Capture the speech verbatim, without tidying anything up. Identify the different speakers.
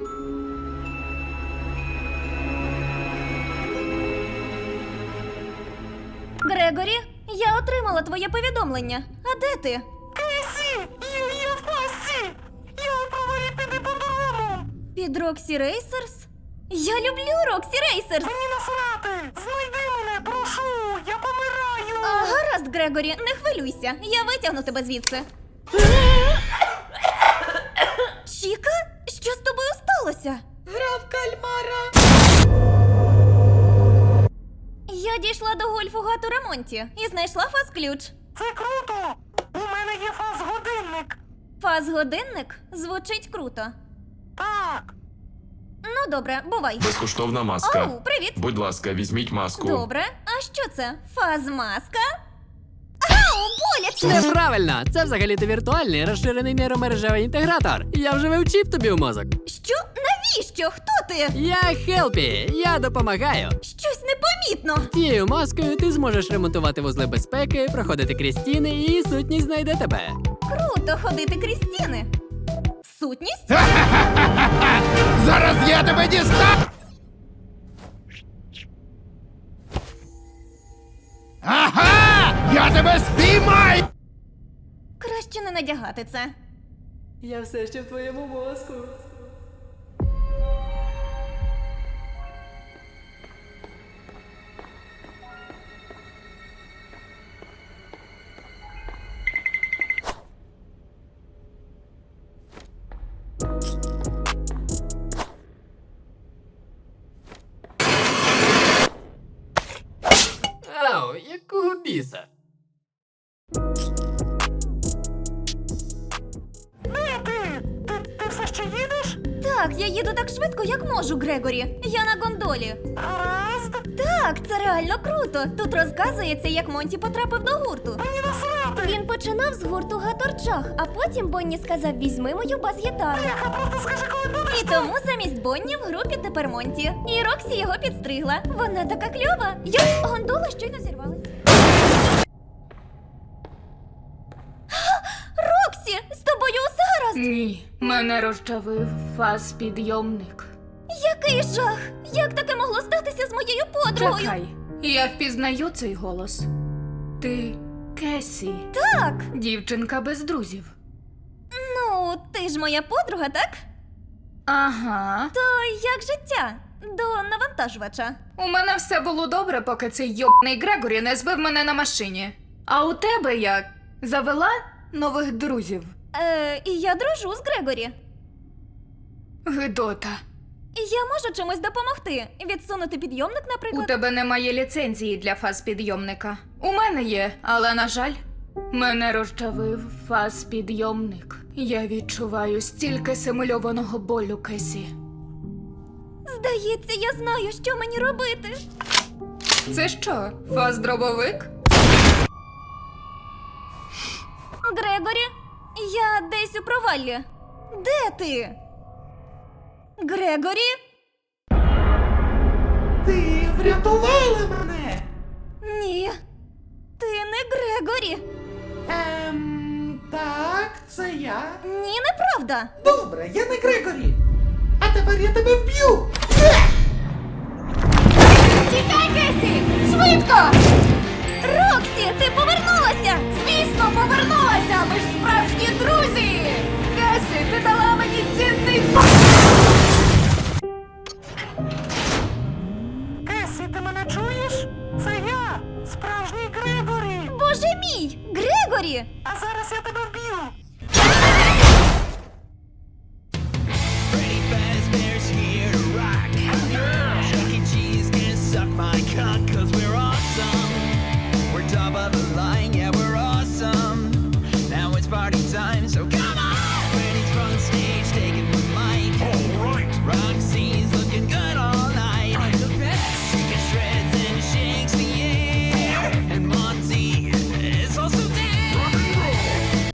Speaker 1: Грегорі, я отримала твоє повідомлення. А де ти?
Speaker 2: Кейсі! Я, я в пастці! Я повинен піти по дому!
Speaker 1: Під Роксі Рейсерс? Я люблю Роксі Рейсерс!
Speaker 2: Мені насрати! Знайди мене, прошу! Я помираю!
Speaker 1: А, гаразд, Грегорі, не хвилюйся. Я витягну тебе звідси. Чіка? Що з тобою сталося?
Speaker 2: Гра в кальмара!
Speaker 1: Я дійшла до гольфу гату ремонті і знайшла фаз-ключ.
Speaker 2: Це круто! У мене є фаз-годинник!
Speaker 1: Фаз-годинник? Звучить круто.
Speaker 2: Так!
Speaker 1: Ну, добре, бувай.
Speaker 3: Безкоштовна маска.
Speaker 1: Оу, привіт.
Speaker 3: Будь ласка, візьміть маску.
Speaker 1: Добре. А що це? Фаз-маска? Ау, боляче!
Speaker 4: Неправильно! Це взагалі-то віртуальний розширений нейромережевий інтегратор. Я вже вивчив тобі в мозок.
Speaker 1: Що? Навіщо? Хто ти?
Speaker 4: Я Хелпі, я допомагаю.
Speaker 1: Щось непомітно.
Speaker 4: Тією маскою ти зможеш ремонтувати вузли безпеки, проходити крізь стіни, і сутність знайде тебе.
Speaker 1: Круто ходити крізь стіни. Сутність?
Speaker 5: Зараз я тебе дістану! Ага! Я тебе спіймаю!
Speaker 1: Краще не надягати це.
Speaker 4: Я все ще в твоєму мозку. Ау, якого біса?
Speaker 2: Де ти? Ти, ти все ще їдеш?
Speaker 1: Так, я їду так швидко, як можу, Грегорі. Я на гондолі.
Speaker 2: Гаразд!
Speaker 1: Так, це реально круто. Тут розказується, як Монті потрапив до гурту.
Speaker 2: Мені насрати!
Speaker 1: Він починав з гурту Гаторчах, а потім Бонні сказав: візьми мою бас-гітару.
Speaker 2: Яка просто скажи, коли будеш!
Speaker 1: І тому замість Бонні в групі тепер Монті. І Роксі його підстригла. Вона така кльова. Йой, гондола щойно зірвалась. Роксі, з тобою усе гаразд?
Speaker 6: Ні, мене розчавив фаз-підйомник.
Speaker 1: Який жах! Як таке могло статися з моєю подругою?
Speaker 6: Чекай, я впізнаю цей голос. Ти Кесі,
Speaker 1: Так,
Speaker 6: дівчинка без друзів.
Speaker 1: ну, ти ж моя подруга, так?
Speaker 6: Ага.
Speaker 1: То як життя? До навантажувача.
Speaker 6: У мене все було добре, поки цей йобаний Грегорі не збив мене на машині. А у тебе як? Завела нових друзів?
Speaker 1: Е, і я дружу з Грегорі.
Speaker 6: Гидота.
Speaker 1: Я можу чимось допомогти. Відсунути підйомник,
Speaker 6: У
Speaker 1: наприклад.
Speaker 6: тебе немає ліцензії для фаз-підйомника. У мене є, але, на жаль, мене розчавив фаз-підйомник. Я відчуваю стільки симульованого болю, Кесі.
Speaker 1: Здається, я знаю, що мені робити.
Speaker 6: Це що, фаз-дробовик?
Speaker 1: Грегорі, я десь у проваллі. Де ти? Грегорі?
Speaker 2: Ти врятувала мене!
Speaker 1: Ні. Ти не Грегорі.
Speaker 2: Ем, так, це я.
Speaker 1: Ні, неправда.
Speaker 2: Добре, я не Грегорі. А тепер я тебе вб'ю!
Speaker 1: Тікай, Кесі! Швидко! Роксі, ти повернулася!
Speaker 6: Звісно, повернулася! Ми ж справжні друзі! Кесі, ти дала мені цінний факт!
Speaker 2: Кесі, ти мене чуєш? Це я, справжній Грегорі.
Speaker 1: Боже мій! Грегорі!
Speaker 2: А зараз я тебе вб'ю.